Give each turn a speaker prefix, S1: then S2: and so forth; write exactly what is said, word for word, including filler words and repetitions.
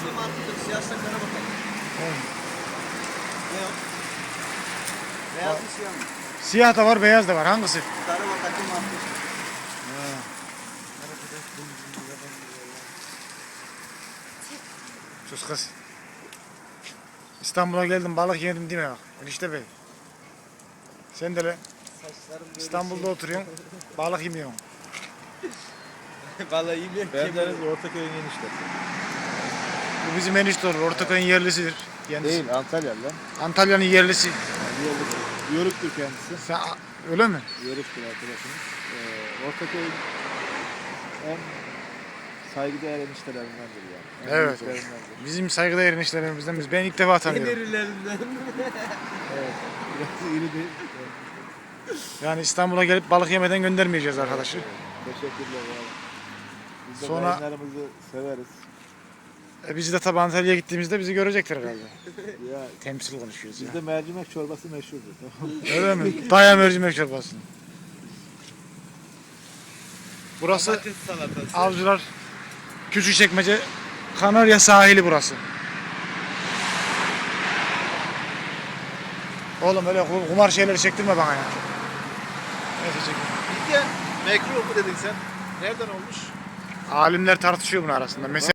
S1: Yeşil mantıklı, siyah saklara bakalım.
S2: Evet.
S1: Ne o? Beyaz mı siyah mı?
S2: Siyah da var, beyaz da var. Hangisi?
S1: Sarı bataklı mantıklı.
S2: Ha. Sus kız. İstanbul'a geldim, balık yedim değil mi bak? Enişte bey. Sen de lan.
S1: Saçlarım böyle
S2: İstanbul'da oturuyorsun, balık yemiyorsun.
S1: şey. Vallahi yemiyorum.
S3: Ben de Ortaköy'ün eniştesi.
S2: Bu bizim enişte olur. Ortaköy'ün yerlisidir. Kendisi.
S3: Değil, Antalyalı lan.
S2: Antalya'nın yerlisi.
S3: Yörük, Yörüktür kendisi.
S2: Sen, öyle mi?
S3: Yörüktür arkadaşımız. Ee, Ortaköy'ün en saygıdeğer eniştelerindendir yani. En
S2: Evet.
S3: büyüklerindendir.
S2: Bizim saygıdeğer eniştelerimizden biz. Ben ilk defa tanıyorum.
S1: Emirlerinden.
S3: Evet. Biraz iri değil.
S2: Yani İstanbul'a gelip balık yemeden göndermeyeceğiz arkadaşı.
S3: Teşekkürler abi. Biz de
S2: Sonra-
S3: yayınlarımızı severiz.
S2: E biz de tabi Antalya'ya gittiğimizde bizi görecekler galiba.
S3: Ya
S2: Temsil konuşuyoruz ya.
S3: bizde mercimek çorbası meşhurdur. Tamam mı?
S2: Öyle mi? Daya mercimek çorbası. Burası
S1: Patates salatası.
S2: Avcılar Küçükçekmece Kanarya sahili burası. Oğlum öyle kumar şeyleri çektirme bana ya. Neyse çekme.
S3: İlke mekruh mu dedin sen? Nereden olmuş?
S2: Alimler tartışıyor bunun arasında. Mesela